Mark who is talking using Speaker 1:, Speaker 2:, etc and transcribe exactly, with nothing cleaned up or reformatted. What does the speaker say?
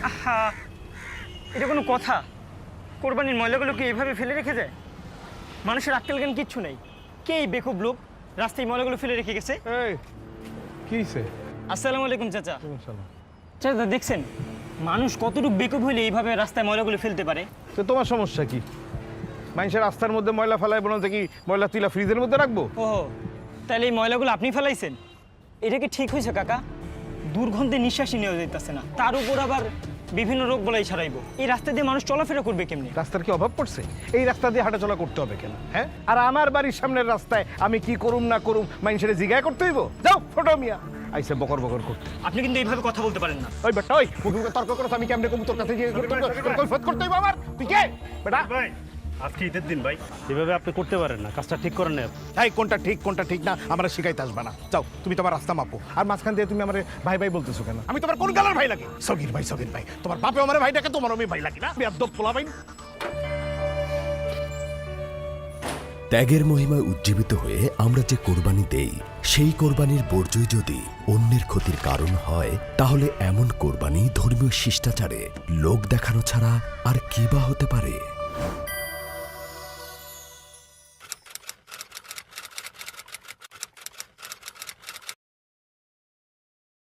Speaker 1: আহা, এটা কোনো কথা? কোরবানির ময়লাগুলোকে এইভাবে ফেলে রেখে যায়? মানুষের আক্কেল জ্ঞান কিচ্ছু নেই। কে এই বেকুব লোক রাস্তায় ময়লাগুলো ফেলে রেখে গেছে?
Speaker 2: এই কি হইছে?
Speaker 1: আসসালামু আলাইকুম চাচা। চাচা দেখছেন মানুষ কতটুকু বেকুব হইলে এইভাবে রাস্তায় ময়লাগুলো ফেলতে পারে?
Speaker 2: তো তোমার সমস্যা কি? মানুষের রাস্তার মধ্যে ময়লা ফেলায় বলতে কি ময়লা তুইলা ফ্রিজের মধ্যে রাখবো?
Speaker 1: ও তাহলে এই ময়লাগুলো আপনি ফেলাইছেন? এটা কি ঠিক হয়েছে কাকা? দুর্গন্ধে নিঃশ্বাসই নেওয়া যাইতেছে না, তার উপর আবার বিভিন্ন রোগ বলাই ছড়াইবো। এই রাস্তা দিয়ে মানুষ চলাফেরা করবে কেমনি?
Speaker 2: রাস্তার কি অভাব পড়ছে? এই রাস্তা দিয়ে হাঁটাচলা করতে হবে কেন? হ্যাঁ, আর আমার বাড়ির সামনের রাস্তায় আমি কি করুম না করুম মানুষের জিজ্ঞাসা করতে হইব? যাও ফটো মিয়া আইসে বকর বকর করতে।
Speaker 1: আপনি কিন্তু এইভাবে কথা বলতে পারেন না।
Speaker 2: ওই বেটা, ওই মুখে মুখে তর্ক করো, আমি কেমনে কবুতর কাছে গিয়ে কৈফিয়ত করতে হইব আমার? তুই কে বেটা?
Speaker 3: ভাই আজকে ঈদের দিন ভাই, এভাবে আপনি করতে পারেন না, কাজটা ঠিক করেন না।
Speaker 2: এই কোনটা ঠিক কোনটা ঠিক না আমরা শিখাইতে আসবে না। যাও তুমি তোমার রাস্তা মাপো। আর মাঝখান দিয়ে তুমি আমার ভাই ভাই বলতেছো কেন? আমি তোমার কোন গালার ভাই লাগি? সগির ভাই সগির ভাই, তোমার বাপে আমার ভাই ডাকে, তোমার আমি ভাই লাগি না? বেয়াদব পোলা ভাই।
Speaker 4: ত্যাগের মহিমায় উজ্জীবিত হয়ে আমরা যে কোরবানি দেই, সেই কোরবানির বর্জ্যই যদি অন্যের ক্ষতির কারণ হয়, তাহলে এমন কোরবানি ধর্মীয় শিষ্টাচারে লোক দেখানো ছাড়া আর কি বা হতে পারে?